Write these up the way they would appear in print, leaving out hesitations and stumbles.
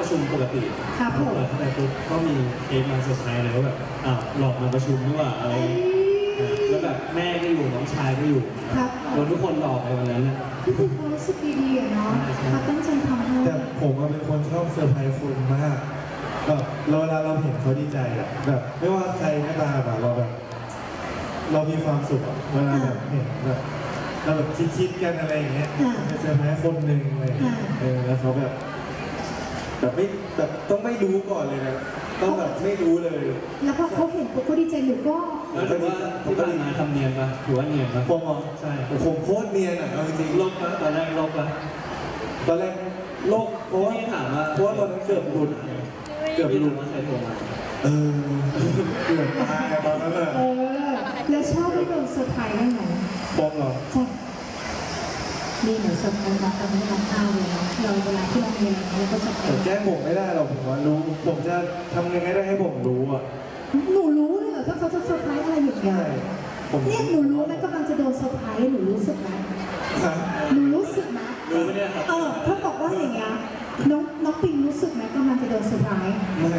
ชุมปกติครับผมเปิดเข้าไปปุ๊บก็มีเค้กมาเซอร์ไพรส์เลยว่าแบบหลอกมาประชุมด้วยว่าอะไรแล้วแบบแม่ก็อยู่น้องชายก็อยู่โดนทุกคนหลอกไปวันนั้นนะนี่คือความรู้สึกดีๆอะเนาะเขาตั้งใจทำให้แต่ผมเป็นคนชอบเซอร์ไพรส์คนมากแบบเวลาเราเห็นเขาดีใจอะแบบไม่ว่าใครก็ตามอะเราแบบเรามีความสุขอะเวลาแบบเห็นแบบเราแบบคิดกันอะไรอย่างเงี้ยไปเซอร์ไพรส์คนหนึ่งเลยแล้วเขาแบบไม่แบบต้องไม่รู้ก่อนเลยนะต้องแบบไม่รู้เลยแล้วพอเขาเห็นปุ๊บเขาดีใจหนูก็แล้วถือว่าที่ผ่านมาทำเนียนปะถือว่าเนียนปะผมใช่ผมโคตรเนียนอ่ะเอาจริงๆลบปะตอนแรกลบปะตอนแรกโลกเพราะว่าถามว่าตอนนั้นเกือบหลุดเกือบหลุดว่าใครโทรมาเกือบตายตอนนั้นอะแล้วชอบให้โดนเซอร์ไพรส์ได้ไหมปองเหรอใช่นี่หนูเซอร์ไพรส์นะตอนนี้น้องข้าวเลยนะเราเวลาที่เราเรียนเราก็เซอร์ไพรส์แก้ผมไม่ได้หรอกผมว่ารู้ผมจะทำยังไงได้ให้ผมรู้อ่ะหนูรู้เลยเหรอถ้าเขาจะเซอร์ไพรส์อะไรอย่างเงี้ยเนี่ยหนูรู้ไหมกำลังจะโดนเซอร์ไพรส์หนูรู้สึกไหมหนูรู้สึกไหมรู้ไหมเนี่ยครับถ้าบอกว่าอย่างเงี้ยน้องปิงรู้สึกไหมกำลังจะโดนเซอร์ไพรส์ไม่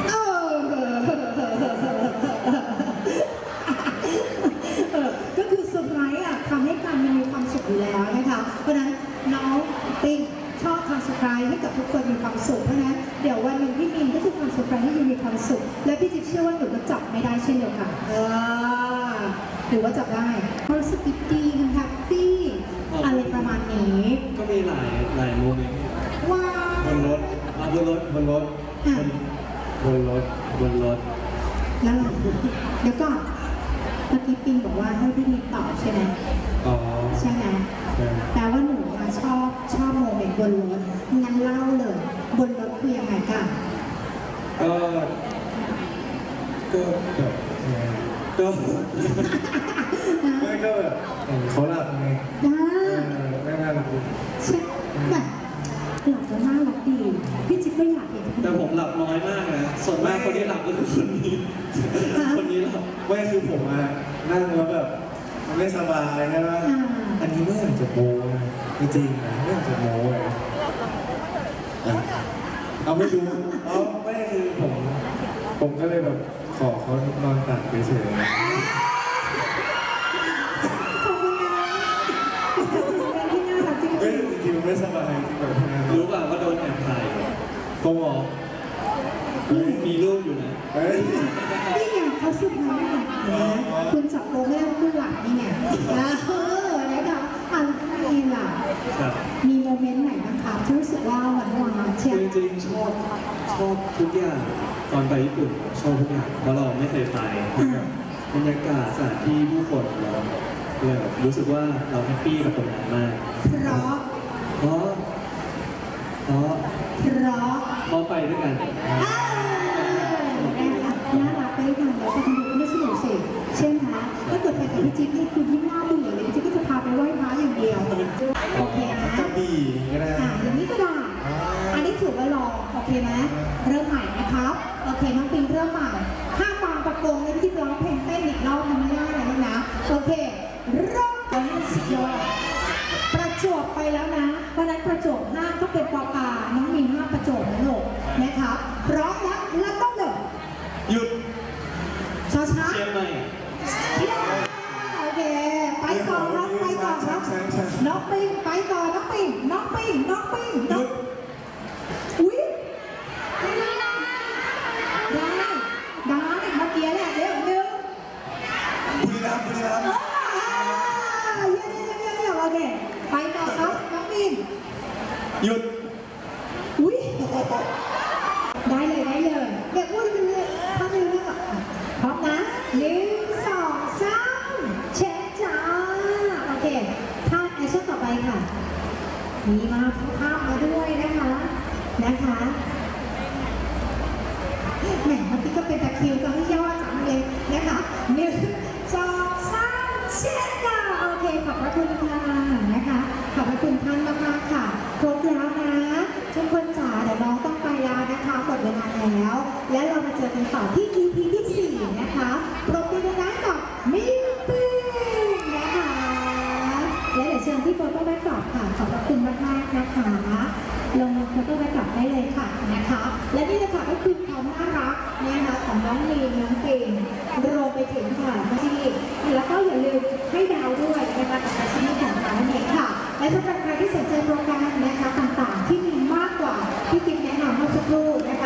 ก็คือเซอร์ไพรส์อ่ะทำให้การมีความสุขอยู่แล้วนะคะเพราะฉะนั้นน้องปิงชอบทำเซอร์ไพรส์ให้กับทุกคนมีความสุขเพราะฉะนั้นเดี๋ยววันหนึ่งพี่มินก็จะทำเซอร์ไพรส์ให้ยูมีความสุขและพี่จิ๊บเชื่อว่าหนูก็จับไม่ได้เช่นเดียวกันหรือว่าจับได้รู้สึกดีๆแฮปปี้อะไรประมาณนี้ก็มีหลายโมเมนต์ว้าบนรถบนรถบนรถแล้วเดี๋ยวก่อนเมื่อกี้ปิงบอกว่าให้พี่มินตอบใช่ไหมใช่ไหมแต่ว่าหนูชอบโมเมนต์บนรถงั้นเล่าเลยบนรถคือยังไงกันก็แบบไม่ก็แบบเห็นเขาหลับไงไม่น่ารักใช่แบบหลับแล้วน่ารักดีพี่จิ๊บก็อยากเห็นแต่ผมหลับน้อยมากนะส่วนมากคนที่หลับก็คือคนนี้หลับไม่คือผมนั่งแล้วแบบไม่สบายใช่ไหมอันนี้ไม่อยากจะโม้จริงๆนะไม่อยากจะโม้เลยเอาไม่ดูไม่คือผมก็เลยแบบขอเขานอนตักไปเฉยขอบคุณนะที่น่ารักจริงๆจริงๆไม่สบายจริงแบบรู้ป่ะว่าโดนแอบถ่ายเขาบอกมีรูปอยู่นะนี่ไงเขาสุดท้ายนะคุณจับโป๊ไม่ได้คุณหลังนี่ไงนะคะอันนี้ล่ะมีโมเมนต์ไหนบ้างคะที่รู้สึกว่าหวานเชียวจริงๆชอบทุกอย่างตอนไปญี่ปุ่นชอบทุกอย่างเพราะเราไม่เคยไปบรรยากาศสถานที่ผู้คนเราเลยรู้สึกว่าเราแฮปปี้กับตรงนั้นมากเพราะไปด้วยกันน่ารักไปกันแล้วก็ทำดูไม่สนุกสิเช่นคะถ้าเกิดไปกับพี่จิ๊บนี่คือยิ่งน่าเบื่อเลยพี่จิ๊บก็จะพาไปไหว้พระอย่างเดียวโอเคนะกระบี่ก็ได้อย่างนี้ก็ได้อันนี้ถือว่าลองโอเคไหมเริ่มใหม่นะครับโอเคน้องปิงเริ่มใหม่ห้ามวางประกงเลยพี่จิ๊บร้องเพลงเต้นอีกรอบทำไม่ได้เลยนะโอเคเริ่มกันสิโยประจวบไปแล้วนะเพราะนั้นประจวบห้าก็เป็นปอปาน้องมินห้าประจวบนะลูกนะครับพร้อมแล้วต้องเดินหยุดช้าเชียงใหม่โอเคไปก่อนครับน้องปิงไปก่อนน้องปิงอุ้ยได้เมื่อกี้แหละเดี๋ยวนึงบุรีรัมย์เยี่ยมโอเคไปต่อครับน้องปิงหยุดอุ้ยได้เลยเด็กอ้วนเลยถ้าไม่รู้อ่ะพร้อมนะ1 2 3เช็คจ้าโอเคท่าแอคชั่นต่อไปค่ะมีมาภาพมาด้วยนะคะแหมเมื่อกี้ก็เป็นตะคิวก็ให้ย่อจังเลยนะคะ1 2 3เช็คจ้าโอเคขอบพระคุณค่ะนะคะขอบพระคุณท่านมากๆค่ะครบแล้วนะทุกคนจ๋าเดี๋ยวน้องต้องไปแล้วนะคะหมดเวลาแล้วและเรามาเจอกันต่อที่ EP ที่4นะคะปรบมือดังๆกับมินปิงนะคะและเดี๋ยวเชิญที่โฟโต้แบ็คดรอปค่ะขอบพระคุณมากๆนะคะลงโฟโต้แบ็คดรอปได้เลยค่ะนะคะความน่ารักนะคะของน้องลีนน้องเก่งรวมไปถึงค่ะที่แล้วก็อย่าลืมให้ดาวด้วยนะคะกับอาชีพของเราเนี่ยค่ะและสำหรับใครที่สนใจโปรแกรมนะคะต่างๆที่มีมากกว่าที่จิ๊บแนะนำเมื่อสักครู่นะคะ